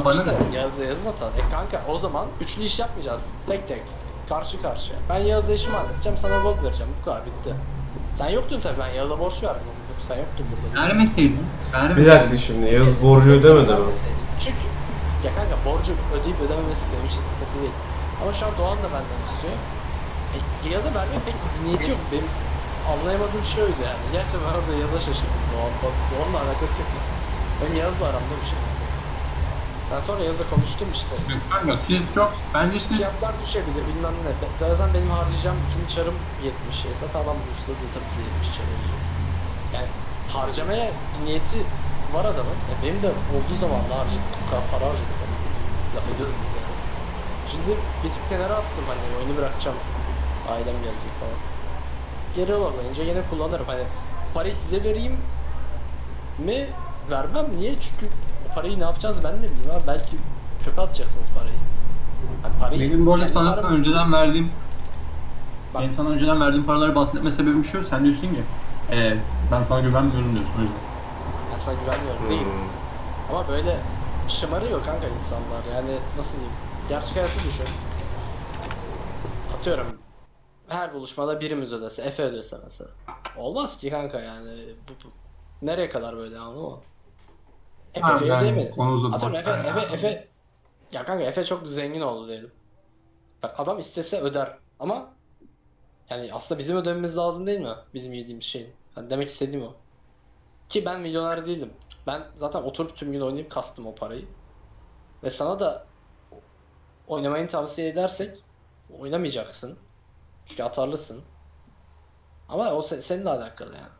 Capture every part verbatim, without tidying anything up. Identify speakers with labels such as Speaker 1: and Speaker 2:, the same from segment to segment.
Speaker 1: bana
Speaker 2: işte
Speaker 1: ne?
Speaker 2: Yağız'la Yağız'ın hatalı. E kanka o zaman üçlü iş yapmayacağız. Tek tek. Karşı karşıya. Ben Yağız'la işimi halledeceğim, sana gol vereceğim. Bu kadar bitti. Sen yoktun tabii, ben Yağız'a borç verdim. Sen yoktun burada.
Speaker 1: Vermeseydin.
Speaker 3: Bir
Speaker 1: Vermeseydin.
Speaker 3: dakika şimdi Yağız borcu ödemedi mi?
Speaker 2: Vermeseydim. Çünkü ya kanka borcu ödeyip ödememesi benim için sıkıntı değil. Ama şu an Doğan da benden istiyor. E, Yağız'a vermeye pek bir niyeti yok. Benim anlayamadığım şey oydu yani. Gerçekten ben orada Yağız'a şaşırdım. Doğan, Doğan'la alakası yok. Yani. Benim Yağız'la aramda bir şey var. Ben sonra Yağız'la konuştum işte.
Speaker 1: Kanka siz çok bence siz
Speaker 2: Fiyatlar düşebilir bilmem ne. Zaten benim harcayacağım ikinci çarım yetmiş. Esat adam bulursa da tabii ki yetmiş çar olacak. Yani harcamaya niyeti var adamın. E benim de olduğu zaman da harcadık. Bu kadar para harcadık. Ama. Laf ediyorum biz yani. Şimdi bir tık kenara attım hani oyunu bırakacağım. Ailem gelecek falan. Geri olamayınca yine kullanırım. Hani parayı size vereyim mi? Vermem. Niye? Çünkü o parayı ne yapacağız ben ne bileyim abi. Belki çöpe atacaksınız parayı. Yani parayı
Speaker 1: benim bu arada
Speaker 2: kendi
Speaker 1: sana
Speaker 2: paramız-
Speaker 1: önceden verdiğim
Speaker 2: Bak.
Speaker 1: benim sana önceden verdiğim paraları bahsetme sebebim şu, sen diyorsun ki e, ben sana güvenmiyorum diyorsun o yüzden.
Speaker 2: Ben sana güvenmiyorum değil.
Speaker 3: Hmm.
Speaker 2: Ama böyle şımarıyor kanka insanlar yani nasıl diyeyim. Gerçek hayatı düşün. Atıyorum. Her buluşmada birimiz ödese, Efe ödese mesela. Olmaz ki kanka yani. Bu, bu. Nereye kadar böyle anladın mı? Hep
Speaker 1: Ha,
Speaker 2: Efe'ye
Speaker 1: yani
Speaker 2: ödeyemedi.
Speaker 1: konu uzadı,
Speaker 2: Atıyorum
Speaker 1: boş
Speaker 2: Efe,
Speaker 1: ver ya.
Speaker 2: Efe, Efe. Ya kanka Efe çok zengin oldu diyelim. Bak adam istese öder ama yani aslında bizim ödememiz lazım değil mi? Bizim yediğimiz şeyin. Hani demek istediğim o. Ki ben milyoner değilim. Ben zaten oturup tüm gün oynayıp kastım o parayı. Ve sana da oynamayı tavsiye edersek oynamayacaksın. Çünkü atarlısın. Ama o se- seninle alakalı yani.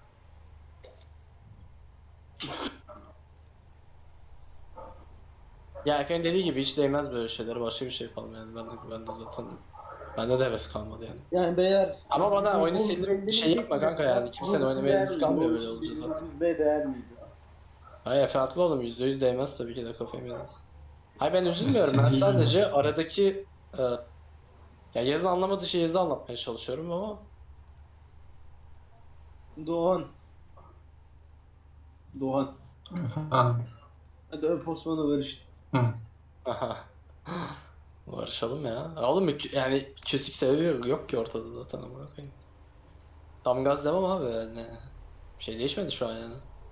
Speaker 2: Ya Erkan dediği gibi hiç değmez böyle şeylere. Başka bir şey yapalım yani. Ben de, ben de zaten bende de heves kalmadı yani.
Speaker 4: Yani beyler
Speaker 2: Ama bana
Speaker 4: bu-
Speaker 2: oyunu
Speaker 4: bu
Speaker 2: sildim bir
Speaker 4: belli
Speaker 2: şey
Speaker 4: bir
Speaker 2: yapma kanka
Speaker 4: teknik var.
Speaker 2: yani. Kimsenin
Speaker 4: Bunu
Speaker 2: oynamaya
Speaker 4: değer
Speaker 2: hevesi
Speaker 4: miydi?
Speaker 2: kalmıyor
Speaker 4: O
Speaker 2: böyle olunca zaten.
Speaker 4: yüz be değer miydi?
Speaker 2: Hayır farklı oğlum. Yüzde yüz değmez tabii ki de kafayı yemez. Hayır ben üzülmüyorum. Ben
Speaker 1: Senin
Speaker 2: sadece
Speaker 1: yüzünden.
Speaker 2: aradaki e, ya yazı anlamadığı şeyi yazı anlatmaya çalışıyorum ama
Speaker 4: Doğan. Doğan.
Speaker 1: Ha,
Speaker 4: Hadi öp Osman'ı barış.
Speaker 1: hı.
Speaker 2: barışalım ya. Ya oğlum kü- yani küslük sebebi yok, yok ki ortada zaten amına koyayım. Tam gaz demem abi yani. Bir şey değişmedi şu an yani.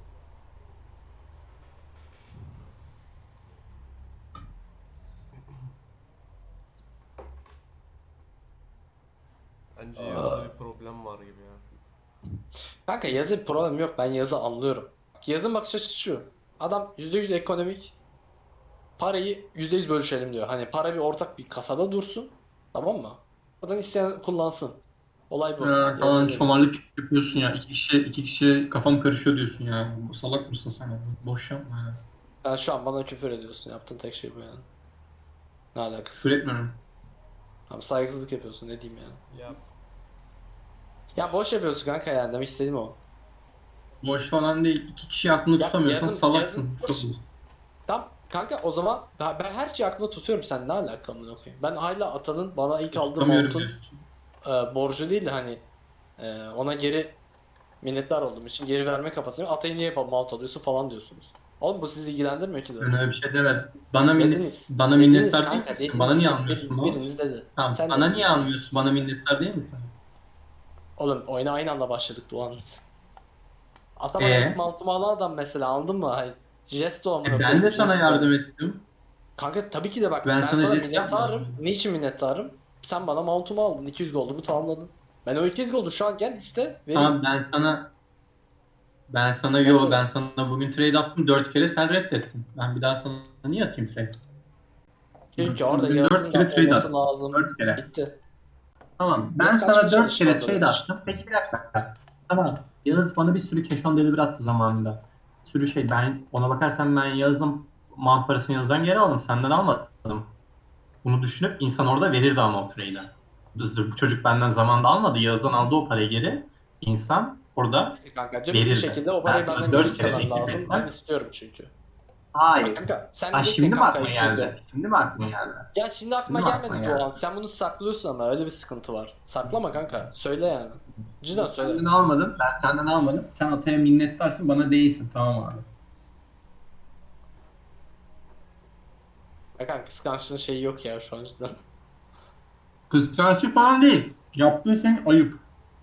Speaker 3: Bence Yağız'da bir problem var gibi ya.
Speaker 2: Kanka yazı bir problem yok. Ben yazı anlıyorum. Yazın bakış açısı şu. Adam yüzde yüz ekonomik. Parayı yüzde yüz bölüşelim diyor. Hani para bir ortak bir kasada dursun. Tamam mı? Oradan isteyen kullansın. Olay bu.
Speaker 1: Ya,
Speaker 2: Yazın
Speaker 1: falan
Speaker 2: değil.
Speaker 1: çomarlık yapıyorsun ya. İki kişi, iki kişi kafam karışıyor diyorsun ya. Salak mısın sen ya? Boş yapma ya.
Speaker 2: Sen şu an bana küfür ediyorsun. Yaptığın tek şey bu yani. Ne
Speaker 1: Küfür
Speaker 2: alakası?
Speaker 1: etmiyorum.
Speaker 2: Abi saygısızlık yapıyorsun. Ne diyeyim yani.
Speaker 3: Ya
Speaker 2: Ya boş yapıyorsun kanka yani. Demek istediğim o.
Speaker 1: Boş falan değil. İki kişi aklını
Speaker 2: Ya
Speaker 1: tutamıyorsan
Speaker 2: yazın yazın
Speaker 1: salaksın. Çok iyi.
Speaker 2: Tamam kanka o zaman ben, ben her şeyi aklımda tutuyorum, sen ne alakalı amına koyayım. Ben hala atanın bana ilk aldığı
Speaker 1: Tutamıyorum
Speaker 2: montun
Speaker 1: diyorsun.
Speaker 2: e, borcu değil de hani e, ona geri minnettar olduğum için geri verme kafasıyım. Atayı niye malt alıyorsun falan diyorsunuz. Oğlum bu sizi ilgilendirmiyor ki
Speaker 1: Ben
Speaker 2: zaten.
Speaker 1: öyle bir şey demedim. Bana minnet,
Speaker 2: Dediniz.
Speaker 1: bana
Speaker 2: Dediniz
Speaker 1: minnettar değil
Speaker 2: kanka
Speaker 1: misin? Bana
Speaker 2: dediniz.
Speaker 1: niye
Speaker 2: Kim,
Speaker 1: almıyorsun
Speaker 2: bir,
Speaker 1: lan?
Speaker 2: biriniz dedi.
Speaker 1: Tamam,
Speaker 2: Sen
Speaker 1: bana
Speaker 2: dedin
Speaker 1: niye
Speaker 2: büyük ihtimal.
Speaker 1: almıyorsun? Bana minnettar değil misin?
Speaker 2: Oğlum oyuna aynı anda başladık Doğan. Ata bana ilk
Speaker 1: Ee,
Speaker 2: maltumu alan adam mesela, anladın mı? Hay, Jesto
Speaker 1: e
Speaker 2: amına
Speaker 1: ben
Speaker 2: koyayım
Speaker 1: de sana
Speaker 2: Jesto.
Speaker 1: yardım ettim.
Speaker 2: Kanka tabii ki de bak
Speaker 1: Ben
Speaker 2: ben
Speaker 1: sana
Speaker 2: sana
Speaker 1: jest
Speaker 2: minnettarım.
Speaker 1: yapmadım.
Speaker 2: Niçin minnettarım? Sen bana mountumu aldın. iki yüz goldumu tamamladın. Ben o iki yüz goldu şu an gel iste vereyim.
Speaker 1: Tamam, ben sana ben sana yo ben
Speaker 2: Mesela.
Speaker 1: sana bugün trade attım dört kere, sen reddettin. Ben bir daha sana niye atayım trade? Ben
Speaker 2: Çünkü
Speaker 1: sana
Speaker 2: orada
Speaker 1: bugün dört
Speaker 2: Yağız'ın
Speaker 1: kere
Speaker 2: da
Speaker 1: trade
Speaker 2: olması
Speaker 1: attım.
Speaker 2: lazım.
Speaker 1: Dört kere.
Speaker 2: Bitti.
Speaker 1: Tamam. Ben
Speaker 2: Yağız kaçmaya
Speaker 1: sana dört
Speaker 2: çalıştı
Speaker 1: kere
Speaker 2: orada benim
Speaker 1: trade
Speaker 2: için.
Speaker 1: attım. Peki bir dakika. Tamam. Yağız bana bir sürü cash on delivery attı zamanında. Bir sürü şey. Ben ona bakarsan ben Yağız'ın mount parasını Yağız'dan geri aldım. Senden almadım. Bunu düşünüp insan orada verirdi ama o trade'e. Bu çocuk benden zamanında almadı. Yağız'dan aldı o parayı geri. İnsan orada
Speaker 2: Hayır kanka dürüst bir
Speaker 1: verirdi.
Speaker 2: şekilde o
Speaker 1: Ben
Speaker 2: parayı
Speaker 1: sana
Speaker 2: benden geri
Speaker 1: dört kere
Speaker 2: istemen
Speaker 1: teklif
Speaker 2: lazım. Ben
Speaker 1: ettim.
Speaker 2: istiyorum çünkü. Bak
Speaker 1: Hayır.
Speaker 2: kanka sen
Speaker 1: Ha,
Speaker 2: diyeceksin
Speaker 1: şimdi mi
Speaker 2: kanka
Speaker 1: aklıma
Speaker 2: iki yüz gol.
Speaker 1: geldi? Şimdi mi aklıma geldi?
Speaker 2: Ya şimdi aklıma
Speaker 1: Şimdi mi aklıma
Speaker 2: gelmedi
Speaker 1: geldi?
Speaker 2: Doğan. Sen bunu saklıyorsun ama öyle bir sıkıntı var. Saklama kanka. Söyle yani. Cidden söyle.
Speaker 1: Senden almadım. Ben senden almadım. Sen Atay'a minnettarsın, bana değilsin. Tamam abi.
Speaker 2: Hakan kıskançlığın şeyi yok ya şu an cidden.
Speaker 1: Kıskançlık falan değil. Yaptığın şey ayıp.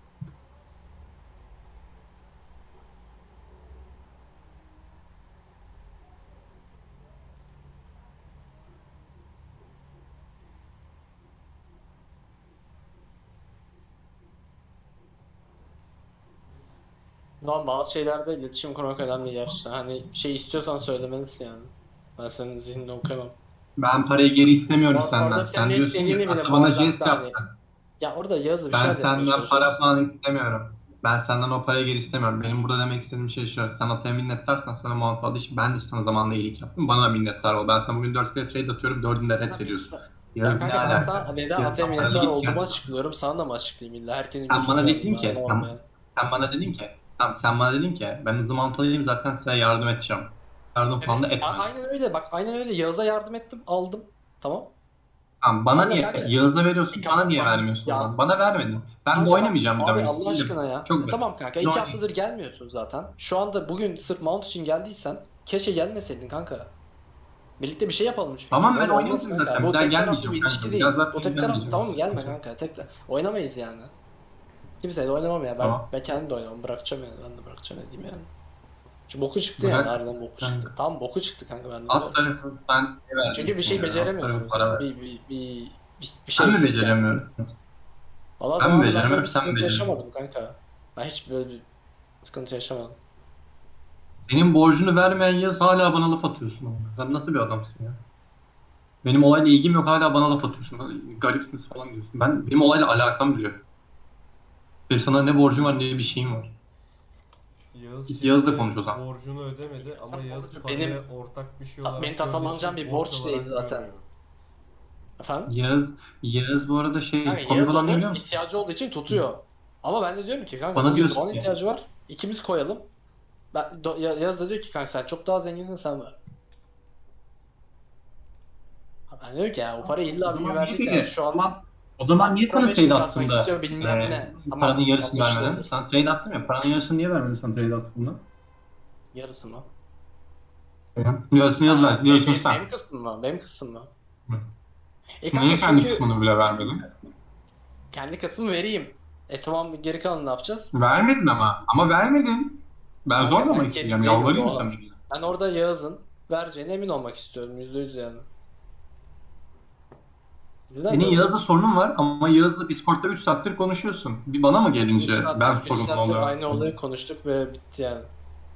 Speaker 2: Normal bazı şeylerde iletişim kurmak önemli gerçekten. Hani bir şey istiyorsan söylemelisin yani. Ben senin zihnini okuyamam.
Speaker 1: Ben parayı geri istemiyorum
Speaker 2: Or- orada
Speaker 1: senden.
Speaker 2: senin
Speaker 1: Sen
Speaker 2: ne
Speaker 1: diyorsun ya
Speaker 2: istediğini bile
Speaker 1: aslında
Speaker 2: bu
Speaker 1: bana
Speaker 2: arada
Speaker 1: jest
Speaker 2: hatta hani
Speaker 1: yaptın.
Speaker 2: ya orada Yağız'la bir
Speaker 1: Ben
Speaker 2: şeyler yapmaya
Speaker 1: senden para
Speaker 2: çalışıyoruz.
Speaker 1: falan istemiyorum. Ben senden o parayı geri istemiyorum. Benim burada demek istediğim şey şu. Sen Atay'a minnettarsan sana mount aldığı için ben de sana zamanında iyilik yaptım. Bana da minnettar ol. Ben sana bugün dört kere trade atıyorum. Dördünü de reddediyorsun.
Speaker 2: Ya
Speaker 1: Yağız ne
Speaker 2: kanka ben sana
Speaker 1: alaka?
Speaker 2: neden
Speaker 1: Yağız
Speaker 2: Atay'a
Speaker 1: sen para
Speaker 2: minnettar
Speaker 1: değilken.
Speaker 2: olduğumu açıklıyorum. Sana da mı açıklayayım illa? Herkesin
Speaker 1: Sen
Speaker 2: götünü
Speaker 1: bana
Speaker 2: mü alayım
Speaker 1: dedin
Speaker 2: ben
Speaker 1: ki
Speaker 2: anlamadım
Speaker 1: sen,
Speaker 2: yani.
Speaker 1: sen bana dedin ki tamam sen bana dedin ki ben hızlı mount alayım zaten size yardım edeceğim. Yardım falan da
Speaker 2: Evet. A-
Speaker 1: etmedin.
Speaker 2: aynen öyle bak aynen öyle Yağız'a yardım ettim aldım. Tamam.
Speaker 1: Tamam bana
Speaker 2: Tamam da
Speaker 1: niye
Speaker 2: kanka
Speaker 1: Yağız'a
Speaker 2: bir
Speaker 1: veriyorsun bana
Speaker 2: kap-
Speaker 1: niye
Speaker 2: bak
Speaker 1: vermiyorsun o
Speaker 2: ya
Speaker 1: zaman? Bana vermedin. Ben de
Speaker 2: kanka bak
Speaker 1: oynamayacağım bir daha
Speaker 2: abi
Speaker 1: oyunu
Speaker 2: Allah
Speaker 1: sildim.
Speaker 2: aşkına ya.
Speaker 1: Çok
Speaker 2: E
Speaker 1: basit.
Speaker 2: tamam kanka
Speaker 1: Bir
Speaker 2: iki
Speaker 1: oynayayım.
Speaker 2: haftadır gelmiyorsun zaten. Şu anda bugün sırf mount için geldiysen keşke gelmeseydin kanka. Birlikte bir şey yapalım çünkü.
Speaker 1: Tamam ben
Speaker 2: Böyle olmaz
Speaker 1: oynamayacağım
Speaker 2: kanka.
Speaker 1: zaten. Bir
Speaker 2: Bu
Speaker 1: daha
Speaker 2: tek taraflı bir
Speaker 1: gelmeyeceğim
Speaker 2: ilişki
Speaker 1: kanka. Bir daha
Speaker 2: değil. O
Speaker 1: zaten
Speaker 2: tek taraflı
Speaker 1: gelmeyeceğim.
Speaker 2: tamam mı? Gelme
Speaker 1: Sıkıntı yok.
Speaker 2: kanka. Tek oynamayız yani. Kimseyle oynamam ya. Ben
Speaker 1: Tamam.
Speaker 2: ben kendim de oynamam. Bırakacağım yani. Ben de bırakacağım ne diyeyim yani. Çünkü boku çıktı yani.
Speaker 1: Bırak
Speaker 2: Harbiden boku çıktı.
Speaker 1: kanka.
Speaker 2: Tam boku çıktı kanka ben de
Speaker 1: Alt
Speaker 2: diyorum.
Speaker 1: tarafı ben ne
Speaker 2: Çünkü bir
Speaker 1: vereceksin
Speaker 2: şey
Speaker 1: ya? Alt tarafı
Speaker 2: beceremiyorsunuz
Speaker 1: para
Speaker 2: yani.
Speaker 1: ver.
Speaker 2: Bir, bir, bir, bir, bir şey
Speaker 1: Ben mi
Speaker 2: eksik yani.
Speaker 1: beceremiyorum?
Speaker 2: Valla
Speaker 1: Ben mi
Speaker 2: zamanında ben böyle
Speaker 1: beceremiyorum
Speaker 2: bir
Speaker 1: sen mi
Speaker 2: sıkıntı
Speaker 1: beceremiyorsun?
Speaker 2: yaşamadım kanka. Ben hiç böyle bir sıkıntı yaşamadım.
Speaker 1: Senin borcunu vermeyen yaz hala bana laf atıyorsun. Ama. Sen nasıl bir adamsın ya? Benim olayla ilgim yok hala bana laf atıyorsun. Garipsiniz falan diyorsun. Ben, benim olayla alakam bile yok. Benim sana ne borcum var ne bir şeyim var.
Speaker 3: Yağız
Speaker 1: Git Yağız'la
Speaker 3: şimdi
Speaker 1: konuş o zaman.
Speaker 3: borcunu ödemedi ama
Speaker 2: Sen
Speaker 3: Yağız
Speaker 2: borcu
Speaker 3: parayı
Speaker 2: benim
Speaker 3: ortak bir şey
Speaker 2: ta- benim
Speaker 3: olarak gördüğü
Speaker 2: tasalanacağım
Speaker 3: için
Speaker 2: bir
Speaker 3: borç
Speaker 2: borç değil
Speaker 3: olarak
Speaker 2: zaten.
Speaker 3: görmüyor.
Speaker 2: Efendim?
Speaker 1: Yağız, Yağız bu arada
Speaker 2: Kanka
Speaker 1: şey komik
Speaker 2: Yağız
Speaker 1: olan ne
Speaker 2: onu
Speaker 1: biliyor musun?
Speaker 2: ihtiyacı olduğu için tutuyor. Ama ben de diyorum ki kanka
Speaker 1: Bana
Speaker 2: bugün
Speaker 1: diyorsun
Speaker 2: Doğan
Speaker 1: ki
Speaker 2: ihtiyacı var. İkimiz koyalım. Ben, Do- Ya- Yağız da diyor ki kanka sen çok daha zenginsin sen ver. Ben diyorum ki ya o parayı
Speaker 1: o
Speaker 2: illa bir gün
Speaker 1: zaman niye
Speaker 2: verecek yani
Speaker 1: peki?
Speaker 2: şu
Speaker 1: O
Speaker 2: an
Speaker 1: zaman, o zaman
Speaker 2: tam
Speaker 1: niye sana
Speaker 2: probation
Speaker 1: trade
Speaker 2: kasmak
Speaker 1: attığımda
Speaker 2: istiyor bilmem
Speaker 1: e,
Speaker 2: ne.
Speaker 1: paranın
Speaker 2: Tamam
Speaker 1: yarısını
Speaker 2: anlaşılır
Speaker 1: vermedin?
Speaker 2: olur.
Speaker 1: Sana trade attım ya paranın yarısını niye vermedin sana trade attığımda?
Speaker 2: Yarısı mı?
Speaker 1: Yarısını Yağız ver,
Speaker 2: Ha, benim,
Speaker 1: yarısını
Speaker 2: benim,
Speaker 1: sen.
Speaker 2: benim kısmım mı? Benim kısmım mı?
Speaker 1: Hı.
Speaker 2: E
Speaker 1: Niye
Speaker 2: kanka
Speaker 1: kendi
Speaker 2: çünkü
Speaker 1: kısmını bile vermedin?
Speaker 2: kendi katımı vereyim. E tamam geri kalanı ne yapacağız?
Speaker 1: Vermedin ama. Ama vermedin. Ben
Speaker 2: Kanka
Speaker 1: zorla mı
Speaker 2: ben gerisi
Speaker 1: isteyeceğim?
Speaker 2: değilim
Speaker 1: Yalvarayım mı sana?
Speaker 2: Doğa. Ben orada Yağız'ın vereceğine emin olmak istiyorum. Yüzde yüz yani. Neden
Speaker 1: Senin
Speaker 2: diyorum?
Speaker 1: Yağız'la sorunun var ama Yağız'la Discord'da üç saattir konuşuyorsun. Bir bana mı
Speaker 2: Biz üç
Speaker 1: gelince ben
Speaker 2: saattir, üç
Speaker 1: sorumlu
Speaker 2: saattir
Speaker 1: oluyorum?
Speaker 2: aynı olayı konuştuk ve bitti yani.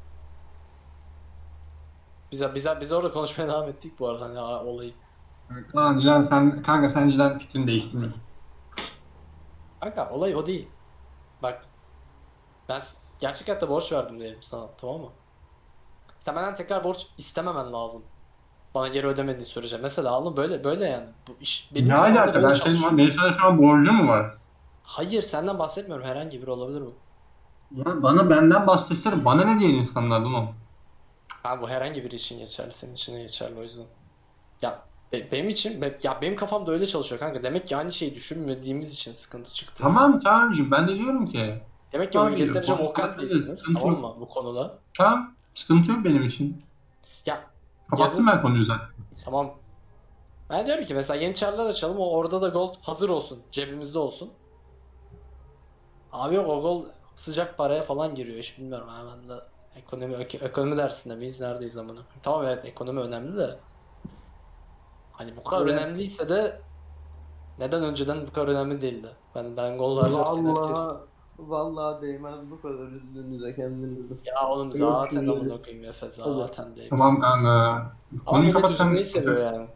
Speaker 2: Biz, biz, biz orada konuşmaya devam ettik bu arada hani ha, olayı.
Speaker 1: Kaan Cihan sen kanka sen Cihan fikrini değiştirmiyorsun.
Speaker 2: Kanka olay o değil. Bak ben s- gerçek hayatta borç verdim diyelim sana tamam mı? Sen benden tekrar borç istememen lazım. Bana geri ödemediğin sürece. Mesela alın böyle böyle yani. Bu iş benim
Speaker 1: Ne
Speaker 2: kafamda
Speaker 1: alaka?
Speaker 2: böyle
Speaker 1: Ben senin
Speaker 2: çalışıyor.
Speaker 1: benim sana şu an borcum mu var?
Speaker 2: Hayır senden bahsetmiyorum herhangi biri olabilir bu.
Speaker 1: Ya bana benden bahsetsene. Bana ne diyen insanlar bunu?
Speaker 2: Ha bu herhangi biri için geçerli, senin için de geçerli o yüzden. Ya be- benim için be- ya benim kafamda öyle çalışıyor kanka. Demek ki aynı şeyi düşünmediğimiz için sıkıntı çıktı yani.
Speaker 1: Tamam Kaan'cığım ben de diyorum ki.
Speaker 2: Demek ki o
Speaker 1: Abi
Speaker 2: yeterince
Speaker 1: borcum
Speaker 2: vocal
Speaker 1: olabilir.
Speaker 2: değilsiniz
Speaker 1: Sıkıntı
Speaker 2: tamam
Speaker 1: yok.
Speaker 2: mı bu konuda?
Speaker 1: Tamam. Sıkıntı yok benim için.
Speaker 2: Ya
Speaker 1: Kapattım
Speaker 2: yazın
Speaker 1: ben konuyu zaten.
Speaker 2: tamam. Ben diyorum ki mesela yeni çarlar açalım o orada da gold hazır olsun. Cebimizde olsun. Abi yok o gold sıcak paraya falan giriyor hiç bilmiyorum ha ben de ekonomi ek- ekonomi dersinde miyiz neredeyiz amına koyayım. Tamam evet ekonomi önemli de hani bu kadar
Speaker 4: Evet.
Speaker 2: önemliyse de neden önceden bu kadar önemli değildi? Ben ben gol harcarken herkes
Speaker 4: Vallahi vallahi değmez bu kadar üzdüğünüze kendinizi.
Speaker 2: ya oğlum
Speaker 4: Yok
Speaker 2: zaten
Speaker 4: şöyle.
Speaker 2: amına koyayım Efe
Speaker 4: Hadi.
Speaker 2: zaten değmez
Speaker 1: Tamam
Speaker 2: yani.
Speaker 1: kanka.
Speaker 2: Ama
Speaker 1: Konuyu
Speaker 2: millet
Speaker 1: kapat sen de
Speaker 2: üzülmeyi
Speaker 1: sıkıntı
Speaker 2: seviyor
Speaker 1: yok.
Speaker 2: yani.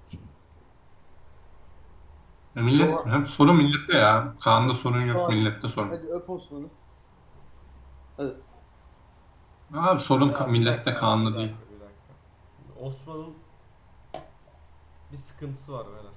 Speaker 1: Ya millet,
Speaker 4: Doğa,
Speaker 1: hep sorun millette ya. Kaan'da sorun yok,
Speaker 4: Doğa,
Speaker 1: millette sorun.
Speaker 4: hadi öp Osman'ı. Hadi.
Speaker 1: Abi sorun ka-
Speaker 3: Ya bir
Speaker 1: millette
Speaker 3: dakika abi, bir
Speaker 1: Kaan'da değil.
Speaker 3: dakika bir dakika. Osman'ın bir sıkıntısı var beyler.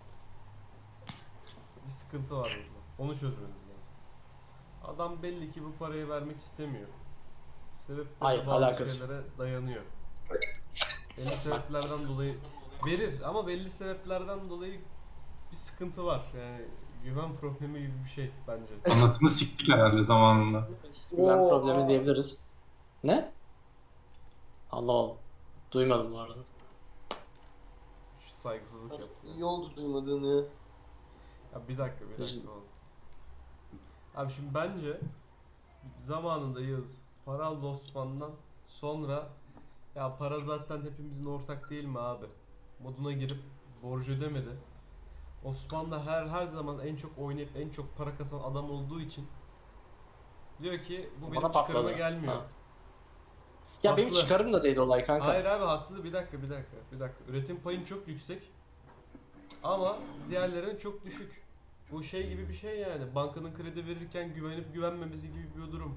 Speaker 3: Bir sıkıntı var burada. Onu çözmeniz lazım. Adam belli ki bu parayı vermek istemiyor. Sebepleri
Speaker 2: Hayır,
Speaker 3: de bazı
Speaker 2: alakası.
Speaker 3: şeylere dayanıyor. Belli sebeplerden dolayı verir ama belli sebeplerden dolayı bir sıkıntı var. Yani güven problemi gibi bir şey bence.
Speaker 1: Anasını siktik herhalde zamanında.
Speaker 2: Güven
Speaker 4: Oo,
Speaker 2: problemi
Speaker 4: aa.
Speaker 2: diyebiliriz. Ne? Anlamadım. Duymadım bu arada.
Speaker 3: saygısızlık yaptın.
Speaker 4: İyi oldu duymadığın ya.
Speaker 3: Ya bir dakika bir dakika oğlum. Abi şimdi bence zamanında Yağız para aldı Osman'dan, sonra ya para zaten hepimizin ortak değil mi abi moduna girip borcu ödemedi. Osman da her her zaman en çok oynayıp en çok para kazanan adam olduğu için diyor ki bu benim
Speaker 2: Bana
Speaker 3: çıkarıma
Speaker 2: patladı.
Speaker 3: gelmiyor.
Speaker 2: Ha. Ya benim
Speaker 3: Haklı.
Speaker 2: çıkarım da değil olay kanka.
Speaker 3: Hayır abi haklı, bir dakika bir dakika bir dakika. Üretim payın çok yüksek ama diğerlerinin çok düşük. Bu şey gibi bir şey yani. Bankanın kredi verirken güvenip güvenmemesi gibi bir durum.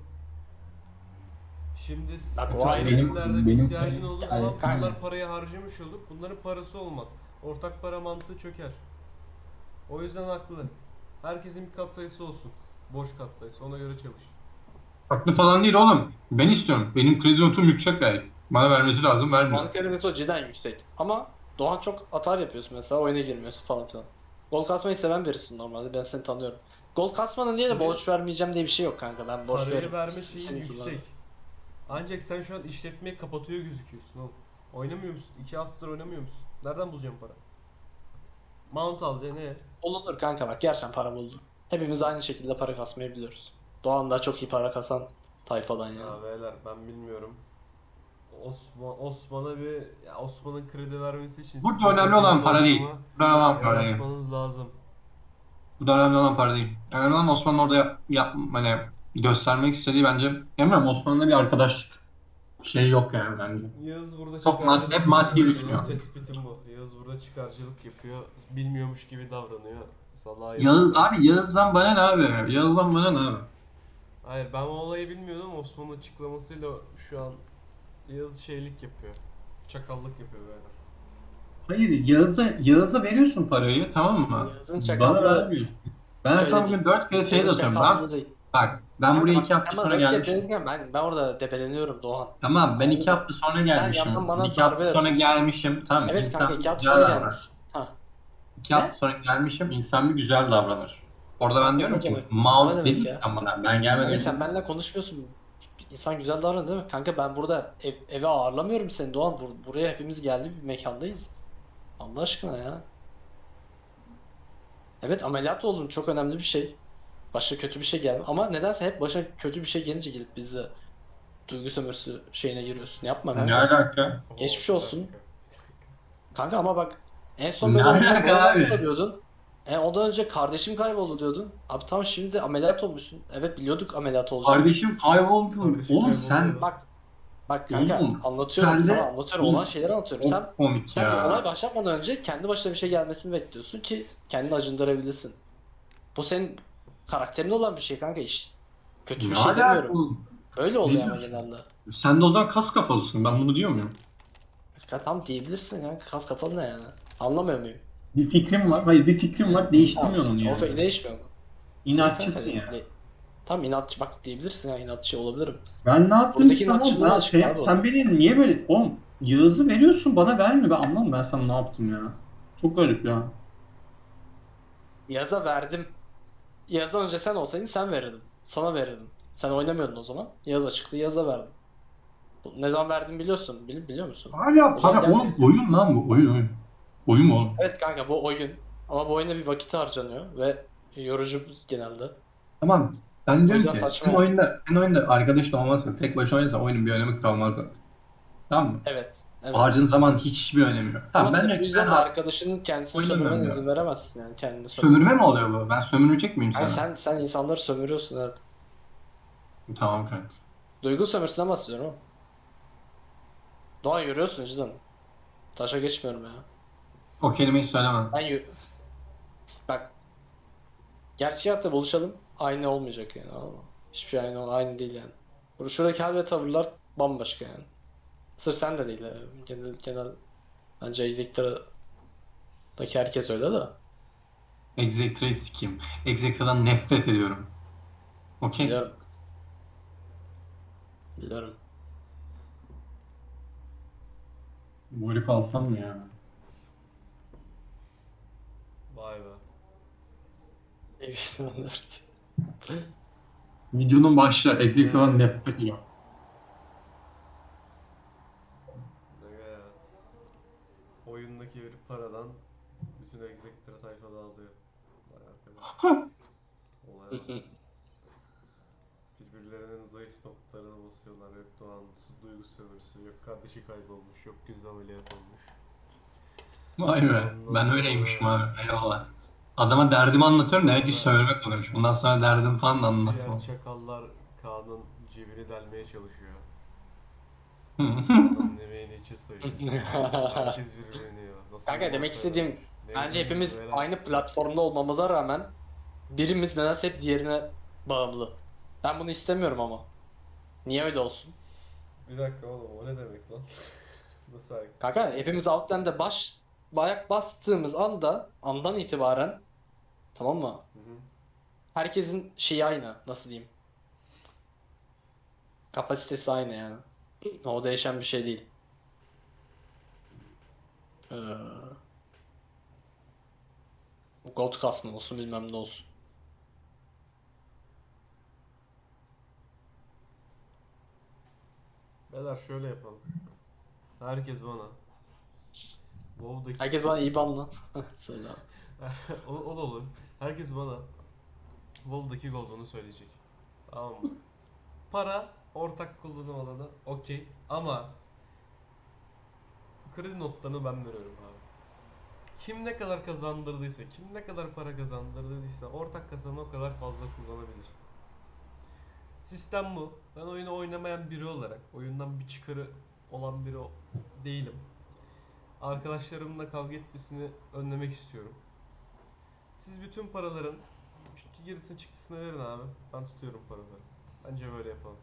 Speaker 3: Şimdi
Speaker 2: Bak, o
Speaker 3: sen
Speaker 2: ayrı.
Speaker 3: ürünlerde bir
Speaker 1: Benim-
Speaker 3: ihtiyacın olduğu
Speaker 2: Yani
Speaker 3: zaman
Speaker 2: kanka.
Speaker 3: bunlar parayı harcamış olur. Bunların parası olmaz. Ortak para mantığı çöker. O yüzden haklı. Herkesin bir katsayısı olsun. Boş katsayısı. Ona göre çalış.
Speaker 1: Haklı falan değil oğlum. Ben istiyorum. Benim kredi notum yüksek gayet. Bana vermesi lazım, vermiyor.
Speaker 2: Banka neto cidden yüksek. Ama Doğan çok atar yapıyorsun mesela, oyuna girmiyorsun falan filan. Gol kasmayı seven birisin normalde, ben seni tanıyorum. Gol kasmanın diye de
Speaker 3: Senin-
Speaker 2: borç vermeyeceğim diye bir şey yok kanka, ben borç
Speaker 3: Parayı
Speaker 2: veririm.
Speaker 3: verme
Speaker 2: Senin
Speaker 3: şeyi
Speaker 2: yüzünden.
Speaker 3: yüksek. Ancak sen şu an işletmeyi kapatıyor gözüküyorsun oğlum. Oynamıyor musun? İki haftadır oynamıyor musun? Nereden bulacağım para? Mount alacaksın ne?
Speaker 2: Bulunur kanka, bak gerçekten para buldu. Hepimiz aynı şekilde para kasmayı biliyoruz. Doğan da çok iyi para kasan tayfadan yani.
Speaker 3: Ya beyler ben bilmiyorum. Osman Osman'a bir ya Osman'ın kredi vermesi için
Speaker 1: Burada
Speaker 3: sizin
Speaker 1: önemli
Speaker 3: o
Speaker 1: olan
Speaker 3: gelin
Speaker 1: para değil.
Speaker 3: ortamı
Speaker 1: Burada önemli olan para değil.
Speaker 3: yaratmanız lazım.
Speaker 1: Burada önemli olan para değil. Önemli olan Osman'ın orada yap, yap- hani göstermek istediği bence. Bilmiyorum, Osman'la bir arkadaşlık şey yok yani bence.
Speaker 3: Yağız burada
Speaker 1: Çok maddi-
Speaker 3: çıkarcılık
Speaker 1: hep maddi
Speaker 3: yapıyor.
Speaker 1: düşünüyor.
Speaker 3: Benim tespitim bu. Yağız burada çıkarcılık yapıyor. Bilmiyormuş gibi davranıyor. Salağa
Speaker 1: Yağız
Speaker 3: yapıyor.
Speaker 1: abi, Yağız'dan bana ne abi? Yağız'dan bana ne abi?
Speaker 3: Hayır ben o olayı bilmiyordum. Osman'ın açıklamasıyla şu an Yağız şeylik yapıyor. Çakallık yapıyor böyle.
Speaker 1: Hayır, Yağız'a Yağız'a veriyorsun parayı, tamam mı?
Speaker 2: Yağız'ın
Speaker 1: Bana
Speaker 2: çakallığı
Speaker 1: vermiyorsun. Ben
Speaker 2: şöyle
Speaker 1: sana
Speaker 2: değil.
Speaker 1: bugün dört kere şey
Speaker 2: Yazın
Speaker 1: atıyorum. Ben,
Speaker 2: çakallığı değil.
Speaker 1: bak ben
Speaker 2: Kanka
Speaker 1: buraya
Speaker 2: bak,
Speaker 1: iki hafta
Speaker 2: sen bana
Speaker 1: sonra
Speaker 2: dört kere
Speaker 1: gelmişim.
Speaker 2: dedin, ben, ben orada debeleniyorum Doğan.
Speaker 1: Tamam, ben
Speaker 2: Anladın
Speaker 1: iki
Speaker 2: mı?
Speaker 1: hafta sonra
Speaker 2: Sen
Speaker 1: gelmişim.
Speaker 2: yandan bana
Speaker 1: İki hafta
Speaker 2: darbe
Speaker 1: sonra
Speaker 2: atıyorsun.
Speaker 1: gelmişim. Tamam,
Speaker 2: Evet
Speaker 1: insan
Speaker 2: kanka,
Speaker 1: bir
Speaker 2: iki hafta
Speaker 1: güzel
Speaker 2: sonra
Speaker 1: davranır.
Speaker 2: gelmişsin. Ha.
Speaker 1: İki
Speaker 2: Ne?
Speaker 1: hafta sonra gelmişim, insan bir güzel davranır. Orada ben
Speaker 2: Kanka
Speaker 1: diyorum
Speaker 2: ne
Speaker 1: ki,
Speaker 2: demek? O ne
Speaker 1: Mount
Speaker 2: demek
Speaker 1: dedin ki
Speaker 2: ya?
Speaker 1: sen bana. Ben gelmeden
Speaker 2: Kanka
Speaker 1: önce.
Speaker 2: sen benimle konuşmuyorsun. İnsan güzel davranır değil mi? Kanka ben burada ev, eve ağırlamıyorum seni Doğan. Bur- buraya hepimiz geldi, bir mekandayız. Allah aşkına ya. Evet, ameliyat oldun, çok önemli bir şey. Başka kötü bir şey geldi. Ama nedense hep başa kötü bir şey gelince gidip bizi duygu sömürüsü şeyine giriyorsun. Yapma
Speaker 1: Ne
Speaker 2: kanka.
Speaker 1: alaka?
Speaker 2: Geçmiş
Speaker 3: Oo, bir
Speaker 2: olsun.
Speaker 3: dakika.
Speaker 2: Kanka ama bak, en son
Speaker 1: Ne
Speaker 2: böyle olduğunda
Speaker 1: alaka
Speaker 2: bana nasıl
Speaker 1: abi?
Speaker 2: diyordun? E, ondan önce kardeşim kayboldu diyordun. Abi tamam, şimdi ameliyat olmuşsun. Evet, biliyorduk ameliyat olacağını.
Speaker 1: Kardeşim kayboldu.
Speaker 3: Kardeşim
Speaker 1: Oğlum
Speaker 3: kayboldu
Speaker 1: sen...
Speaker 3: ya.
Speaker 2: Bak bak kanka,
Speaker 1: Oğlum,
Speaker 2: anlatıyorum
Speaker 1: sen de-
Speaker 2: sana, anlatıyorum
Speaker 1: Oğlum,
Speaker 2: olan şeyleri anlatıyorum. Sen
Speaker 1: Çok komik
Speaker 2: sen bir olay
Speaker 1: ya.
Speaker 2: başlamadan önce kendi başına bir şey gelmesini bekliyorsun ki kendini acındırabilsin. Bu senin karakterinde olan bir şey kanka, iş. Kötü bir
Speaker 1: Ne
Speaker 2: şey
Speaker 1: alaka
Speaker 2: demiyorum.
Speaker 1: oğlum?
Speaker 2: Böyle oluyor ama
Speaker 1: diyorsun?
Speaker 2: genelde.
Speaker 1: Sen de o zaman kas kafalısın. Ben bunu diyor muyum?
Speaker 2: Ya tam diyebilirsin kanka, kas kafalı ne yani? Anlamıyor muyum?
Speaker 1: Bir fikrim var. Hayır, bir fikrim var. Değiştirmiyorsun onu
Speaker 2: O
Speaker 1: yani.
Speaker 2: fe- değişmiyor mu?
Speaker 1: İnatçısın
Speaker 2: Değil
Speaker 1: ya.
Speaker 2: kanka, değil. Tam inatçı bak diyebilirsin ya, inatçı olabilirim.
Speaker 1: Ben ne yaptım
Speaker 2: Buradaki
Speaker 1: ki tamam.
Speaker 2: inatçılığın
Speaker 1: Ben,
Speaker 2: açıklığı
Speaker 1: sen,
Speaker 2: abi o
Speaker 1: sen
Speaker 2: zaman.
Speaker 1: beni niye böyle... Oğlum, Yağız'ı veriyorsun bana vermiyor. Ben anlamadım, ben sana ne yaptım ya. Çok garip ya.
Speaker 2: Yaz'a verdim. Yaz'a önce sen olsaydın sen verirdin. Sana verirdim. Sen oynamıyordun o zaman. Yaz'a çıktı, Yaz'a verdim. Bu- Neden verdim biliyorsun. Bil, biliyor musun?
Speaker 1: Hala
Speaker 2: O zaman
Speaker 1: para oğlum,
Speaker 2: gelmiyor.
Speaker 1: oyun lan bu. Oyun oyun. Oyun mu oğlum?
Speaker 2: Evet kanka, bu oyun. Ama bu oyuna bir vakit harcanıyor ve yorucu genelde.
Speaker 1: Tamam. Ben
Speaker 2: O
Speaker 1: diyorum
Speaker 2: yüzden
Speaker 1: ki
Speaker 2: saçma
Speaker 1: sen
Speaker 2: yani.
Speaker 1: oyunda, sen oyunda arkadaşla olmazsa, tek başına oynarsan oyunun bir önemi kalmaz zaten. Tamam mı?
Speaker 2: Evet. Evet.
Speaker 1: Harcın zaman hiçbir önemi yok.
Speaker 2: Ama
Speaker 1: Tamam, ben
Speaker 2: sırf bu
Speaker 1: diyorum ki
Speaker 2: yüzden
Speaker 1: ben
Speaker 2: de
Speaker 1: abi
Speaker 2: arkadaşının kendisini
Speaker 1: oynamıyorum
Speaker 2: sömürmene
Speaker 1: ya.
Speaker 2: izin veremezsin yani, kendini sömürmene.
Speaker 1: Sömürme mi oluyor bu? Ben sömürecek miyim
Speaker 2: Yani
Speaker 1: sana?
Speaker 2: sen sen insanları sömürüyorsun, evet.
Speaker 1: Tamam kanka.
Speaker 2: Duygu sömürüsünden bahsediyorum ama. Doğa, yürüyorsun cidden. Taşa geçmiyorum ya.
Speaker 1: O kelimeyi söyleme.
Speaker 2: Ben yürü... Bak, gerçek hayatta buluşalım, aynı olmayacak yani, anladın mı? Hiçbir şey aynı, aynı değil yani. Burada şuradaki hal ve tavırlar bambaşka yani. Sırf sen de değil yani. Genel, genel bence Executor'daki herkes öyle de.
Speaker 1: Executive sikeyim. Executive'dan nefret ediyorum. Okey?
Speaker 2: Biliyorum. Biliyorum.
Speaker 1: Bu herifi alsam mı ya?
Speaker 3: Vay be.
Speaker 2: Executor'lar.
Speaker 1: Videonun başlığı Executive'dan nefret ediyorum.
Speaker 3: Ne ya. Oyundaki herif paralı. Sonradan bütün Executor tayfa dağılıyor. Vay arkadaş. Olay var. Birbirlerinin zayıf noktalarını basıyorlar. Yok Doğan su duygu sömürüsü, yok kardeşi kaybolmuş, yok göz ameliyat olmuş.
Speaker 1: Vay be.
Speaker 3: Ondan
Speaker 1: Ben
Speaker 3: sonra-
Speaker 1: öyleymişim abi. Eyvallah. Adama derdimi anlatıyorum. Demek ki sömürmek oluyormuş. Bundan sonra derdim falan da anlatmam.
Speaker 3: Diğer çakallar Kaan'ın cebini delmeye çalışıyor. Adamın emeğini içe sayıyor. Herkes birbirini yiyor. Nasıl
Speaker 2: Kanka
Speaker 3: bir
Speaker 2: demek
Speaker 3: borsa
Speaker 2: istediğim,
Speaker 3: varmış. Ne
Speaker 2: bence
Speaker 3: bileyim,
Speaker 2: hepimiz
Speaker 3: şeyler.
Speaker 2: aynı platformda olmamıza rağmen birimiz nedense hep diğerine bağımlı. Ben bunu istemiyorum ama. Niye öyle olsun?
Speaker 3: Bir dakika oğlum o ne demek lan? Nasıl hareket?
Speaker 2: Kanka hepimiz Outland'e baş ayak bastığımız anda andan itibaren, tamam mı?
Speaker 3: Hı hı.
Speaker 2: Herkesin şeyi aynı. Nasıl diyeyim? Kapasitesi aynı yani. O değişen bir şey değil. Ee, Gold kasma olsun bilmem ne olsun.
Speaker 3: Beyler şöyle yapalım. Herkes bana WoW'daki
Speaker 2: Herkes bana iyi banla. Söyle abi.
Speaker 3: o, o da olur. Herkes bana WoW'daki Gold'unu söyleyecek. Tamam mı? Para ortak kullanım alanı okey ama kredi notlarını ben veriyorum abi. Kim ne kadar kazandırdıysa, kim ne kadar para kazandırdıysa ortak kazanı o kadar fazla kullanabilir. Sistem bu. Ben oyunu oynamayan biri olarak, oyundan bir çıkarı olan biri o- değilim. Arkadaşlarımla kavga etmesini önlemek istiyorum. Siz bütün paraların gerisini çıktısını verin abi. Ben tutuyorum paraları. Bence böyle yapalım.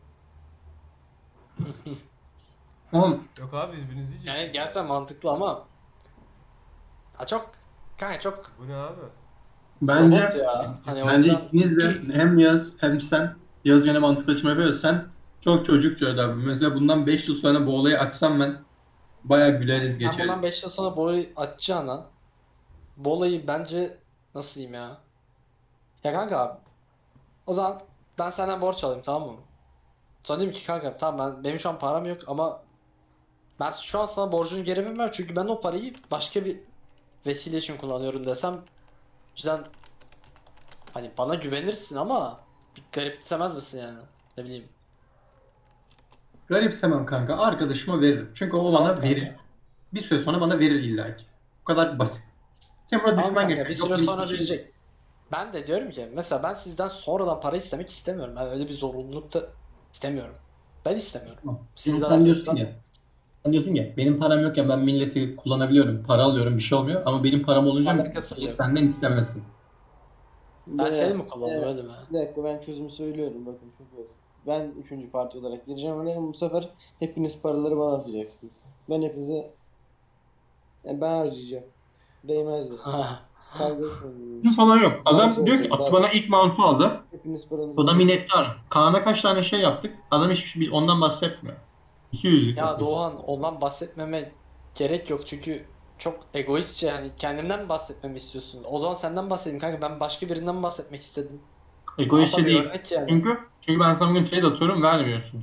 Speaker 1: Oğlum
Speaker 3: Yok abi birbirinizi yiyeceksiniz.
Speaker 2: Yani gerçekten mantıklı ama ha çok kanka çok
Speaker 3: Bu ne abi?
Speaker 1: bence
Speaker 2: robot ya. Hani o
Speaker 1: bence
Speaker 2: yüzden
Speaker 1: ikiniz de hem Yağız hem sen Yağız gene mantıklı açma yapıyor. Sen çok çocukça öyle. Mesela bundan beş yıl sonra bu olayı açsam ben bayağı güleriz
Speaker 2: sen
Speaker 1: geçeriz.
Speaker 2: bundan beş yıl sonra bu olayı açacağına bu olayı bence nasıl diyeyim ya? Ya kanka abi o zaman ben senden borç alayım, tamam mı? Sonra diyeyim ki kanka tamam, ben benim şu an param yok ama ben şu an sana borcunu geri vermem çünkü ben o parayı başka bir vesile için kullanıyorum desem cidden hani bana güvenirsin ama bir garipsemez misin yani? Ne bileyim.
Speaker 1: Garipsemem kanka. Arkadaşıma veririm. Çünkü o bana
Speaker 2: Tamam
Speaker 1: verir.
Speaker 2: kanka.
Speaker 1: Bir süre sonra bana verir illa ki. Bu kadar basit. Sen burada
Speaker 2: Tamam
Speaker 1: düşman
Speaker 2: kanka,
Speaker 1: geçiyor.
Speaker 2: bir
Speaker 1: Yok
Speaker 2: süre
Speaker 1: bir
Speaker 2: sonra
Speaker 1: şey-
Speaker 2: verecek. Ben de diyorum ki mesela ben sizden sonradan para istemek istemiyorum. Ben öyle bir zorunluluk da istemiyorum. Ben istemiyorum.
Speaker 1: Tamam.
Speaker 2: Sizden
Speaker 1: Sen diyorsun
Speaker 2: arkadaşlar.
Speaker 1: ya. Sen diyorsun ya benim param yokken ben milleti kullanabiliyorum. Para alıyorum bir şey olmuyor. Ama benim param olunca
Speaker 2: Alakası
Speaker 1: millet
Speaker 2: yok.
Speaker 1: benden istemesin.
Speaker 2: Ben
Speaker 4: Ve-
Speaker 2: seni mi kullandım
Speaker 4: Evet.
Speaker 2: öyle mi?
Speaker 4: Bir dakika ben çözümü söylüyorum, bakın çok basit. Ben üçüncü parti olarak gireceğim oraya, bu sefer hepiniz paraları bana atacaksınız. Ben hepinize yani ben harcayacağım. Değmez de. Kavga etmeyin.
Speaker 1: Bu falan yok. Adam
Speaker 4: Varsa
Speaker 1: diyor ki
Speaker 4: olsun,
Speaker 1: Atı
Speaker 4: varsa.
Speaker 1: bana ilk mount'u aldı.
Speaker 4: Hepiniz paranızı
Speaker 1: O da
Speaker 4: alın.
Speaker 1: minnettar. Kaan'a kaç tane şey yaptık. Adam hiç biz ondan bahsetmiyor. iki yüzlük
Speaker 2: Ya
Speaker 1: yapıyor.
Speaker 2: Doğan, ondan bahsetmeme gerek yok çünkü çok egoistçe, hani kendimden mi bahsetmemi istiyorsun? O zaman senden bahsedeyim kanka, ben başka birinden bahsetmek istedim.
Speaker 1: Egoistçe
Speaker 2: Ama bir
Speaker 1: değil.
Speaker 2: örnek yani.
Speaker 1: Çünkü çünkü ben sana bugün trade atıyorum vermiyorsun.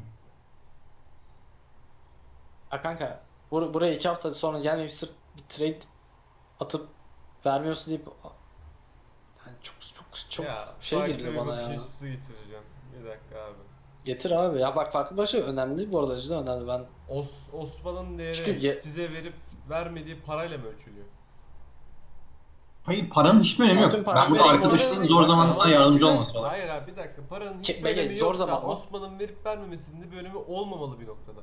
Speaker 2: Ya kanka bur buraya iki hafta sonra gelmeyip sırf bir trade atıp vermiyorsun deyip yani çok çok çok
Speaker 3: ya,
Speaker 2: şey
Speaker 3: farklı
Speaker 2: geliyor
Speaker 3: bir
Speaker 2: bana
Speaker 3: bakış
Speaker 2: ya.
Speaker 3: açısı getireceğim. Bir dakika abi.
Speaker 2: Getir abi ya, bak farklı başı önemli değil bu arada, cidden önemli. Ben
Speaker 3: Os Osman'ın değeri
Speaker 2: Çünkü ye-
Speaker 3: size verip vermediği parayla mı ölçülüyor?
Speaker 1: Hayır paranın hiçbir önemi
Speaker 2: Ya tüm
Speaker 1: yok.
Speaker 2: param
Speaker 1: Ben burada
Speaker 2: vereyim,
Speaker 1: arkadaşının
Speaker 2: ona
Speaker 1: zor
Speaker 2: vereyim.
Speaker 1: zamanında
Speaker 3: Tamam,
Speaker 1: sana yardımcı
Speaker 3: bir dakika-
Speaker 1: olması olarak.
Speaker 3: Hayır abi bir dakika. Paranın
Speaker 2: Ki-
Speaker 3: hiçbir
Speaker 2: belki
Speaker 3: önemi
Speaker 2: zor
Speaker 3: yoksa
Speaker 2: zaman ama.
Speaker 3: Osman'ın verip vermemesinin bir önemi olmamalı bir noktada.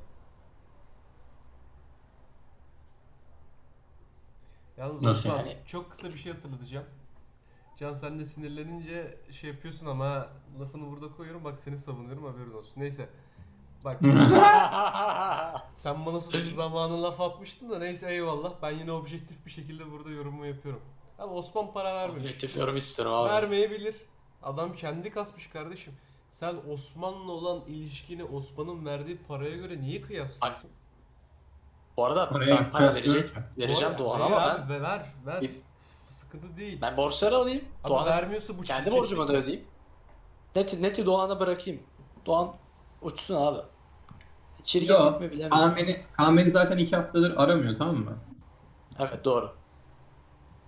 Speaker 3: Yalnız
Speaker 1: Nasıl
Speaker 3: Osman
Speaker 2: yani?
Speaker 3: çok kısa bir şey hatırlatacağım. Can sen de sinirlenince şey yapıyorsun ama ha, lafını burada koyuyorum, bak seni savunuyorum, haberin olsun. Neyse. Bak sen bana sus zamanın laf atmıştın da neyse eyvallah, ben yine objektif bir şekilde burada yorumumu yapıyorum. Ama Osman para vermemiş.
Speaker 2: Objektif yorum istiyorum abi.
Speaker 3: Vermeyebilir. Adam kendi kasmış kardeşim. Sen Osman'la olan ilişkini Osman'ın verdiği paraya göre niye kıyaslıyorsun?
Speaker 2: Bu arada
Speaker 1: Paraya
Speaker 2: ben para
Speaker 1: kıyaslıyorum
Speaker 2: verecek,
Speaker 1: ki.
Speaker 2: vereceğim
Speaker 3: Hayır,
Speaker 2: Doğan'a
Speaker 3: hayır
Speaker 2: ama
Speaker 3: abi,
Speaker 2: ben
Speaker 3: ve ver ver.
Speaker 2: Bir-
Speaker 3: F- Sıkıntı değil.
Speaker 2: ben borçları alayım.
Speaker 3: Ama
Speaker 2: Doğan'a
Speaker 3: vermiyorsa bu
Speaker 2: kendi
Speaker 3: çirkeflik.
Speaker 2: borcumu da ödeyeyim. Neti, neti Doğan'a bırakayım. Doğan uçsun abi. Şirketlik
Speaker 1: Yok.
Speaker 2: mi bilemiyorum.
Speaker 1: Kaan beni, Kaan beni zaten iki haftadır aramıyor tamam mı?
Speaker 2: Evet doğru.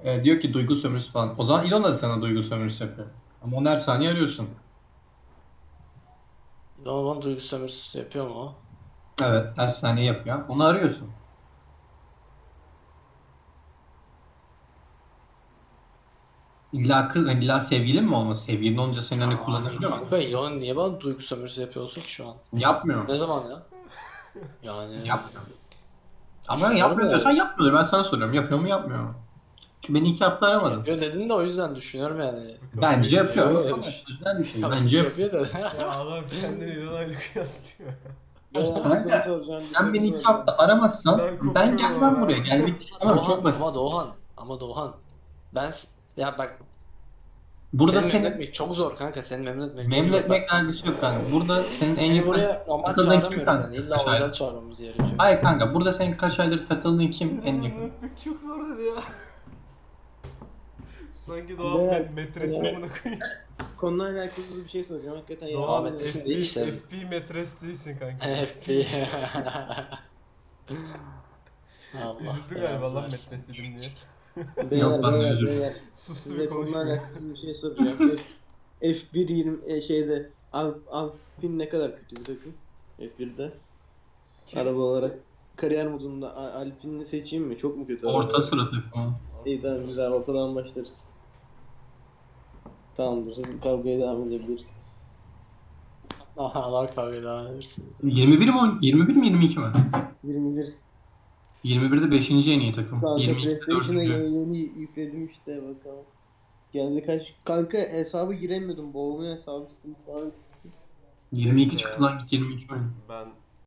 Speaker 1: E, diyor ki duygu sömürüsü falan. O zaman Elon da sana duygu sömürüsü yapıyor. Ama onu her saniye arıyorsun.
Speaker 2: Normal duygu sömürüsü yapıyor mu o?
Speaker 1: Evet, her saniye yapıyor. Onu arıyorsun. İlla kız, hani illa sevgilin mi olması? Sevgilin olunca seni hani kullanabiliyor mu?
Speaker 2: Kanka Elon niye bana duygu sömürüsü yapıyorsun ki şu an?
Speaker 1: Yapmıyor.
Speaker 2: Ne zaman ya? Yani
Speaker 1: Yapmıyor. Ama
Speaker 2: düşünüyorum
Speaker 1: yapmıyor diyorsan
Speaker 2: yani.
Speaker 1: yapmıyordur. Ben sana soruyorum. Yapıyor mu yapmıyor mu? Çünkü beni iki hafta aramadın.
Speaker 2: Yapıyor dedin de o yüzden düşünüyorum yani.
Speaker 3: Kafayı
Speaker 1: Bence yapıyor ama
Speaker 2: Yok
Speaker 3: yiyeceğim.
Speaker 2: öyle bir
Speaker 1: sana
Speaker 2: şey.
Speaker 1: özel bir şey.
Speaker 2: Tabii
Speaker 1: Bence
Speaker 2: ki
Speaker 1: yapıyor.
Speaker 2: yapıyor da.
Speaker 3: Ya adam kendini İlhan'la kıyaslıyor.
Speaker 4: Beyler bir soru soracağım. Bir
Speaker 1: Sen
Speaker 4: soru
Speaker 1: beni iki
Speaker 4: soracağım.
Speaker 1: hafta aramazsan
Speaker 3: Ben
Speaker 1: ben
Speaker 3: kopuyorum
Speaker 1: gelmem
Speaker 3: ama.
Speaker 1: buraya. Gelmek istemem.
Speaker 2: Doğan
Speaker 1: Çok basit.
Speaker 2: ama Doğan ama Doğan ben s- ya bak
Speaker 1: Burada
Speaker 2: seni memnun
Speaker 1: senin
Speaker 2: etmek çok zor kanka, seni memnun etmek çok
Speaker 1: memnun
Speaker 2: zor. Ben,
Speaker 1: etmekle alakası yok kanka. Burada senin en
Speaker 2: seni
Speaker 1: yakın
Speaker 2: buraya normal
Speaker 1: takıldığın kim
Speaker 2: çağıramıyoruz
Speaker 1: kanka?
Speaker 2: yani, illa
Speaker 1: Kaç
Speaker 2: özel
Speaker 1: aydır?
Speaker 2: çağırmamız gerekiyor.
Speaker 1: Hayır kanka. Burada senin kaç aydır takıldığın
Speaker 3: Seni
Speaker 1: kim en
Speaker 3: memnun
Speaker 1: yakın?
Speaker 3: etmek çok zor dedi ya. Sanki Doğan
Speaker 4: Beyler,
Speaker 3: benim metresim
Speaker 4: beyler.
Speaker 3: bunu koyayım.
Speaker 4: Konuyla alakalı bir şey soracağım. Hakikaten ya.
Speaker 3: Doğan
Speaker 2: Ahmet,
Speaker 3: F
Speaker 2: isim
Speaker 3: B,
Speaker 2: değil işte.
Speaker 3: F B metres değilsin kanka.
Speaker 2: F B. Allah
Speaker 3: Üzüldü
Speaker 2: belanı
Speaker 3: galiba lan
Speaker 2: versin.
Speaker 3: metres dedim diye.
Speaker 4: Beyler
Speaker 1: Yok lan,
Speaker 4: beyler
Speaker 1: özür.
Speaker 4: beyler.
Speaker 3: Sustu
Speaker 4: Size
Speaker 3: bir
Speaker 4: konuyla
Speaker 3: konuşmuyor.
Speaker 4: alakasız bir şey soracağım. F, F bir yirmi e, şeyde Alp, Alpine ne kadar kötü bir takım? F birde.
Speaker 3: Kim?
Speaker 4: Araba olarak. Kariyer modunda A- Alpine'i seçeyim mi? Çok mu kötü araba?
Speaker 1: Orta sıra takımı.
Speaker 4: İyi tamam güzel. Ortadan başlarız. Tamamdır. Siz kavgaya devam edebiliriz.
Speaker 2: Allah kavga devam edersin.
Speaker 1: yirmi bir mi? on- yirmi bir mi yirmi iki mi?
Speaker 4: yirmi bir.
Speaker 1: yirmi birde beşinci en iyi takım.
Speaker 4: Kanka
Speaker 1: yirmi ikide
Speaker 4: PlayStation'a
Speaker 1: dördüncü.
Speaker 4: yeni, yeni yükledim işte bakalım. Geldi kaç... Kanka hesabı giremiyordum. Babamın hesabı sıkıntı falan.
Speaker 1: yirmi iki
Speaker 3: Neyse
Speaker 1: çıktı
Speaker 3: ya.
Speaker 1: lan, git yirmi iki oyun.
Speaker 3: Ben